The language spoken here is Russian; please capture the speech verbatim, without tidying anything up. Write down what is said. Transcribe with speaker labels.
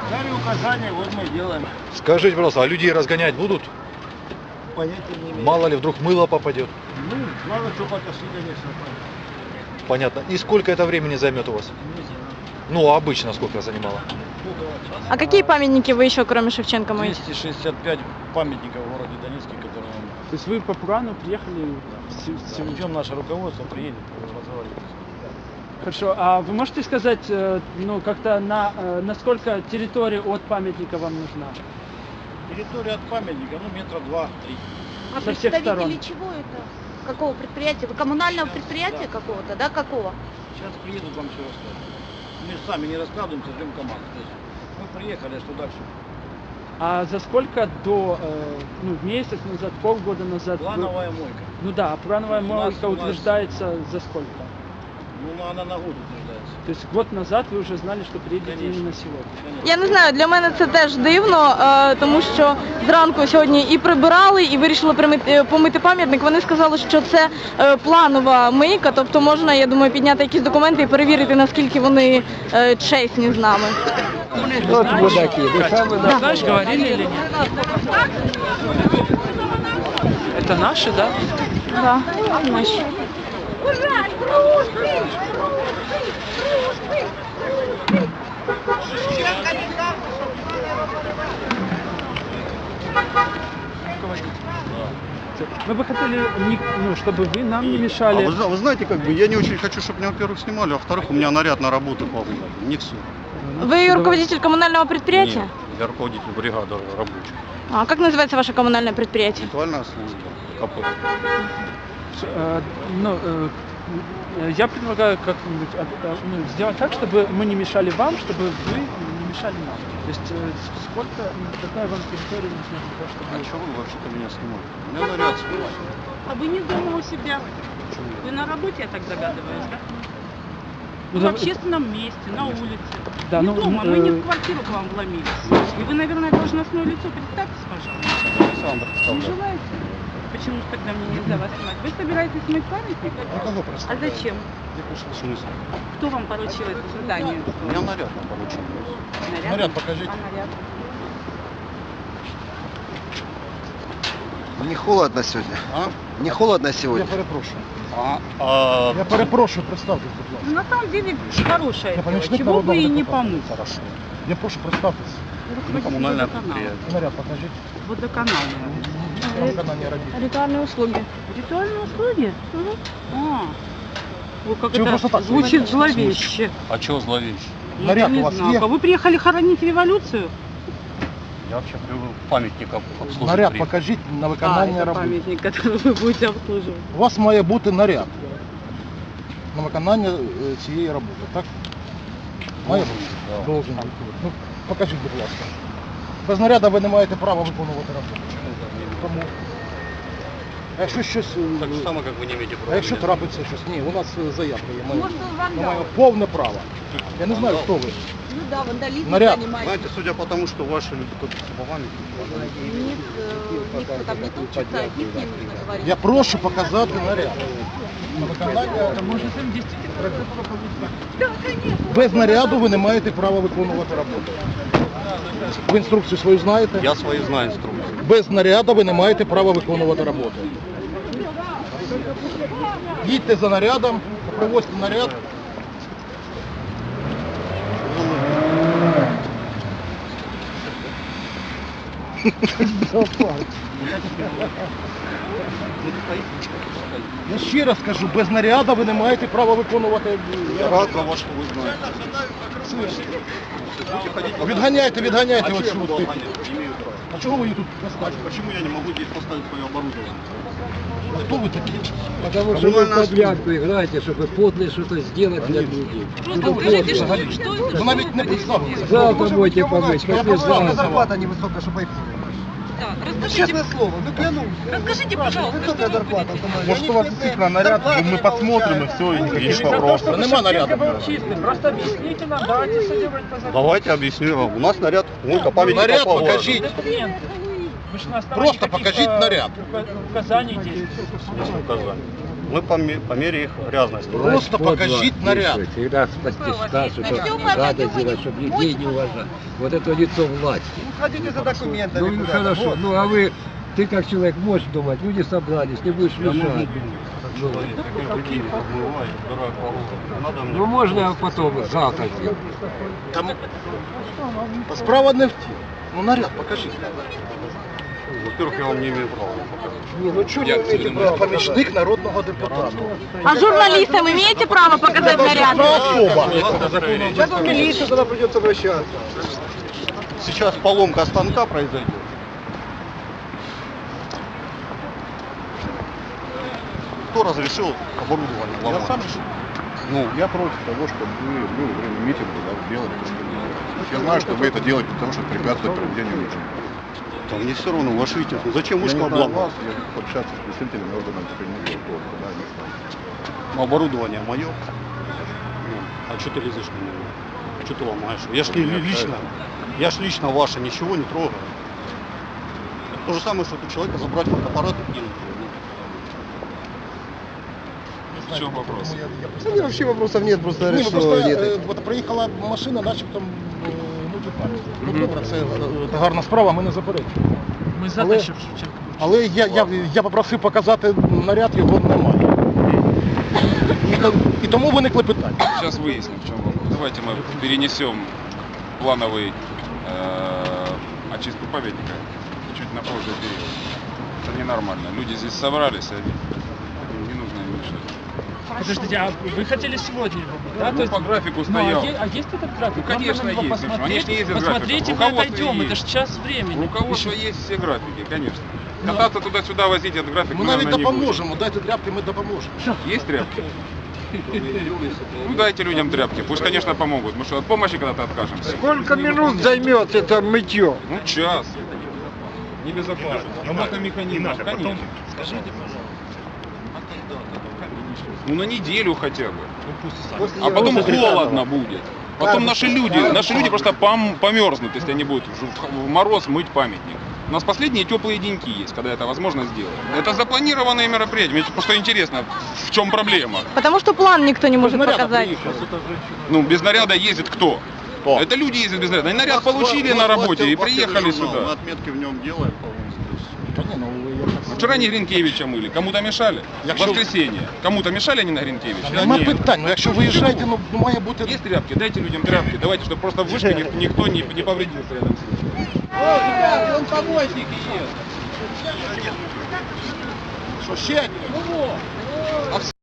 Speaker 1: Дали указания, вот мы делаем.
Speaker 2: Скажите, пожалуйста, а людей разгонять будут?
Speaker 1: Понятия не имею.
Speaker 2: Мало ли, вдруг мыло попадет.
Speaker 1: Ну, надо что потащить, конечно.
Speaker 2: Понятно. И сколько это времени займет у вас?
Speaker 1: Не знаю.
Speaker 2: Ну, а обычно сколько занимало?
Speaker 3: А какие памятники вы еще, кроме Шевченко, моете?
Speaker 1: двести шестьдесят пять памятников в городе Донецке, которые нам...
Speaker 4: То есть вы по плану приехали?
Speaker 1: Ждем наше руководство, приедет, разговаривать.
Speaker 4: Хорошо. А вы можете сказать, э, ну, как-то на, э, насколько территория от памятника вам нужна?
Speaker 1: Территория от памятника, ну, метра два-три.
Speaker 5: А
Speaker 4: Со всех
Speaker 5: представители
Speaker 4: сторон.
Speaker 5: чего это? Какого предприятия? Вы коммунального предприятия
Speaker 1: да.
Speaker 5: какого-то, да? Какого?
Speaker 1: Сейчас приедут, вам все расскажут. Мы же сами не раскладываемся, ждем команду. То есть мы приехали, а что дальше?
Speaker 4: А за сколько до, э, ну, месяц назад, полгода назад? вы-
Speaker 1: Плановая мойка.
Speaker 4: Ну да, а плановая
Speaker 1: У нас-
Speaker 4: мойка
Speaker 1: у нас-
Speaker 4: утверждается за сколько?
Speaker 1: Ну, она на год утверждается.
Speaker 4: То есть год назад ви вже знали, що приїдете
Speaker 1: Конечно.
Speaker 4: іменно сьогодні.
Speaker 1: Конечно.
Speaker 3: Я не знаю, для мене це теж дивно, е, тому що зранку сьогодні і прибирали, і вирішили примити- помити пам'ятник. Вони сказали, що це е, планова мийка, тобто можна, я думаю, підняти якісь документи і перевірити, наскільки вони е, чесні з нами.
Speaker 4: Знаешь, говорили или нет? Это наши, да?
Speaker 3: Да, наші.
Speaker 4: Мы бы хотели, не- ну, чтобы вы нам не
Speaker 6: А
Speaker 4: мешали.
Speaker 6: вы, зна- вы знаете, как бы, я не очень хочу, чтобы меня, во-первых, снимали, а во-вторых, у меня наряд на работу по не все.
Speaker 3: Вы руководитель коммунального предприятия?
Speaker 6: Я руководитель бригады рабочих.
Speaker 3: А как называется ваше коммунальное предприятие?
Speaker 6: Ритуальная служба, КП.
Speaker 4: Э, ну, э, э, я предлагаю как-нибудь э, э, ну, сделать так, чтобы мы не мешали вам, чтобы вы не мешали нам. То есть э, сколько, ну, какая вам территория нужна для того,
Speaker 6: А
Speaker 4: чтобы...
Speaker 6: что вы вообще-то меня снимаете? У меня наряд свой.
Speaker 7: А вы не дома у себя? Вы на работе, я так догадываюсь, да?
Speaker 4: Ну,
Speaker 7: В
Speaker 4: да,
Speaker 7: общественном месте, на улице.
Speaker 4: Да,
Speaker 7: не
Speaker 4: ну,
Speaker 7: дома,
Speaker 4: э,
Speaker 7: мы не в квартиру к вам вломились. И вы, наверное, должностное лицо. Представьтесь, пожалуйста.
Speaker 6: Александр,
Speaker 7: Не
Speaker 6: представляю.
Speaker 7: желаете? Почему же тогда мне нельзя вас снимать? Вы собираетесь мыть памятник? А зачем?
Speaker 6: В смысле?
Speaker 7: Кто вам поручил это задание?
Speaker 6: У меня наряд на получил.
Speaker 7: Наряд?
Speaker 1: Наряд покажите.
Speaker 7: А наряд?
Speaker 8: Не холодно сегодня?
Speaker 6: А?
Speaker 8: Не холодно
Speaker 1: Я
Speaker 8: сегодня?
Speaker 1: перепрошую.
Speaker 6: А, а,
Speaker 1: Я перепрошую, представтесь, будь ласка.
Speaker 7: Ну, на самом деле, хорошее
Speaker 1: Я
Speaker 7: дело.
Speaker 1: помощник
Speaker 7: Чего бы
Speaker 1: народного
Speaker 7: и не
Speaker 1: депутата.
Speaker 7: помыть.
Speaker 6: хорошо.
Speaker 1: Я прошу, представтесь.
Speaker 6: Ну, коммунальное
Speaker 7: Водоканал.
Speaker 6: предприятие.
Speaker 1: Наряд покажите.
Speaker 7: Водоканал.
Speaker 1: Там канале робить.
Speaker 3: Ритуальные услуги.
Speaker 7: Ритуальные услуги? А. Ой, как
Speaker 1: Чего просто
Speaker 7: это
Speaker 1: так
Speaker 7: звучит
Speaker 1: снимать?
Speaker 7: зловеще.
Speaker 6: А чего зловещий?
Speaker 7: Ну,
Speaker 1: Наряд
Speaker 7: я не
Speaker 1: у вас
Speaker 7: знаю.
Speaker 1: есть?
Speaker 7: А вы приехали хоронить революцию?
Speaker 6: Я вообще привык памятников обслуживать.
Speaker 1: Наряд
Speaker 6: приехал.
Speaker 1: покажіть на
Speaker 7: А,
Speaker 1: виконання
Speaker 7: это
Speaker 1: роботи.
Speaker 7: памятник, который вы будете обслуживать.
Speaker 1: У вас має бути наряд на виконання е, цієї роботи, так? Має
Speaker 6: Должен,
Speaker 1: бути?
Speaker 6: да.
Speaker 1: Должен бути. Ну, покажіть, будь ласка. Без наряду ви не маєте права виконувати роботу. Тому. А якщо щось. е,
Speaker 6: Так же само, как вы не имеете права.
Speaker 1: А якщо
Speaker 6: меня
Speaker 1: трапиться щось? Ні, у нас е, заявка є. Ми,
Speaker 5: Может,
Speaker 1: ми маємо
Speaker 5: вандал?
Speaker 1: повне право. Я не знаю, хто ви.
Speaker 5: Ну да, вандализм
Speaker 1: Наряд.
Speaker 5: занимается.
Speaker 6: Знаете, судя по тому, что ваши люди тут с памятники.
Speaker 5: Ник, э, никто там не топчется, от них не нужно говорить.
Speaker 1: Я прошу показати наряд. На виконання.
Speaker 4: Может, им действительно
Speaker 1: Без наряду ви не маєте права виконувати роботу. Ви інструкцію свою знаєте?
Speaker 6: Я свои знаю инструкции.
Speaker 1: Без наряду ви не маєте права виконувати роботу. Їдьте за нарядом, привозьте наряд. Я ще раз кажу, без наряду ви не маєте права виконувати.
Speaker 6: Я рад за вас, что вы знаете. Будете ходить по-
Speaker 1: Відганяйте, відганяйте
Speaker 6: А
Speaker 1: от
Speaker 6: что я буду
Speaker 1: сюди.
Speaker 6: обгонять? Не имею права.
Speaker 1: А чого ви її тут
Speaker 6: А
Speaker 1: поставили?
Speaker 6: почему я не могу здесь поставить свое оборудование?
Speaker 1: Хто ви такі?
Speaker 9: Потому что вы в подглядку играете, чтобы подле что-то сделать для людей.
Speaker 7: Просто скажите, что, что это?
Speaker 1: Ви навіть не представилися.
Speaker 9: Завтра будете помыть,
Speaker 1: Я
Speaker 9: послезавтра.
Speaker 8: Зарплата невысокая, чтобы айфон.
Speaker 7: Да, расскажите,
Speaker 8: слово, ну клянусь.
Speaker 7: расскажите, пожалуйста, что вы будете?
Speaker 1: Может, у вас действительно наряд, мы посмотрим и все, и никаких вопросов. Нема наряду.
Speaker 4: был чистый. Просто объясните нам, давайте все делать по закону.
Speaker 6: Давайте объясню вам. У нас наряд, мойка памятника
Speaker 1: Наряд
Speaker 6: по городу.
Speaker 1: покажите.
Speaker 4: Документы. Вы же на основании
Speaker 1: Просто
Speaker 4: каких-то
Speaker 1: покажите наряд.
Speaker 4: ука- Указаний действуете.
Speaker 6: Есть указания. Мы по, ме- по мере их грязности.
Speaker 1: Просто покажіть наряд.
Speaker 9: Всегда подтяжка, что надо сделать, чтобы людей не уважать. Вот это лицо власти.
Speaker 8: Ходите за документами
Speaker 9: Ну
Speaker 8: куда-то.
Speaker 9: хорошо,
Speaker 8: Вот.
Speaker 9: ну а вы, ты как человек можешь думать, люди собрались, не будешь мешать. Ну, ну можно потом завтра сделать.
Speaker 1: Там справа не в тім. Ну наряд покажіть.
Speaker 6: Во-первых, я вам не имею права показать.
Speaker 1: Ні, ну чого не маєте права? Помічник народного депутата.
Speaker 3: А журналистам имеете право показать наряд?
Speaker 1: Особа.
Speaker 8: Сейчас в милицию тогда придется обращаться.
Speaker 6: Сейчас поломка станка произойдет. Кто разрешил оборудование ломать?
Speaker 1: Я сам
Speaker 6: Ну,
Speaker 10: Я против того, чтобы вы, вы во время митинга да, делали то, что делаете. Я знаю, что вы это делаете для того, чтобы препятствовать проведению митинга.
Speaker 6: там мне все равно, ваш Витязь, ну зачем
Speaker 10: Я
Speaker 6: вышка
Speaker 10: не знаю вас,
Speaker 6: обломать?
Speaker 10: я буду общаться с представителями органов внутренних дел, да, не знаю.
Speaker 6: Ну, оборудование мое. Ну, а что ты лезешь на него? Что ты ломаешь? Я ж не ли- лично, я ж лично ваше ничего не трогаю. Это то же самое, что у человека забрать фотоаппарат и кинуть.
Speaker 1: В чому вопрос?
Speaker 8: Да нет, вообще вопросов нет, просто
Speaker 1: Ні, ну
Speaker 8: решил,
Speaker 1: просто
Speaker 8: нет.
Speaker 1: е, от приїхала машина, начебто, е, ну тут пам'ять. Ну добре, це, е, це гарна справа, ми не заперечуємо.
Speaker 4: Мы за
Speaker 1: Але-
Speaker 4: то, чтобы Шевченко был.
Speaker 1: Але я, я, я попросив показати наряд, його немає. І, то- і тому виникли питання.
Speaker 11: Сейчас выясним, в чем вопрос. Давайте мы перенесем плановый э, очистку памятника чуть на позже период. Это ненормально. Люди здесь собрались, они не нужно им мешать.
Speaker 4: Подождите, а вы хотели сегодня его быть, да?
Speaker 11: Ну,
Speaker 4: То есть-
Speaker 11: по графику
Speaker 4: Ну, а,
Speaker 11: стоял.
Speaker 4: е- а есть этот график?
Speaker 11: Ну,
Speaker 4: Нам
Speaker 11: конечно,
Speaker 4: надо его
Speaker 11: есть, слушай, они ж не ездят
Speaker 4: посмотреть,
Speaker 11: графиком.
Speaker 4: посмотреть, и мы
Speaker 11: Руководство
Speaker 4: отойдем. Это
Speaker 11: есть.
Speaker 4: же час времени.
Speaker 11: Руководство
Speaker 4: Еще-
Speaker 11: есть все графики, конечно.
Speaker 4: Ну,
Speaker 11: Кататься туда-сюда, возить этот график
Speaker 1: Ми
Speaker 11: мы,
Speaker 1: навіть
Speaker 11: наверное, не будем.
Speaker 1: допоможемо, дайте тряпки, ми допоможемо.
Speaker 11: Есть тряпки? Ну дайте людям тряпки, пусть, конечно, помогут. Мы что, от помощи когда-то откажемся?
Speaker 9: Сколько минут займет это мытье?
Speaker 11: Ну, час. Небезопасно. Работа механизмов, конечно.
Speaker 4: Скажите, пожалуйста.
Speaker 11: Ну, на неделю хотя бы. А потом холодно будет. Потом наши люди, наши люди просто пом- померзнут, если они будут в- в мороз мыть памятник. У нас последние теплые деньки есть, когда это возможно сделать. Это запланированные мероприятия. Мне просто интересно, в чем проблема.
Speaker 3: Потому что план никто не может
Speaker 1: Наряд
Speaker 3: показать.
Speaker 1: приїхав.
Speaker 11: Ну, без наряда ездит кто?
Speaker 6: Кто?
Speaker 11: Это люди ездят без наряда. Они наряд
Speaker 6: Вас-
Speaker 11: получили
Speaker 6: вас-
Speaker 11: на
Speaker 6: вас-
Speaker 11: работе
Speaker 6: вас-
Speaker 11: и
Speaker 6: вас
Speaker 11: приехали
Speaker 6: тележурнал, Мы
Speaker 11: сюда.
Speaker 6: отметки в нем делаем.
Speaker 1: Та ні, ну, я так-
Speaker 11: Вчера не Гринкевича мыли. Кому-то мешали? В
Speaker 1: Якщо-
Speaker 11: воскресенье. Кому-то мешали они на Гринкевича?
Speaker 1: Нема
Speaker 11: Нет.
Speaker 1: питань, ну якщо виїжджаєте, ну має бути...
Speaker 11: Есть тряпки? Дайте людям тряпки. Давайте, чтобы просто в вышке ник- никто не, не повредился рядом с ним.
Speaker 1: Вон помощники є. Що ще?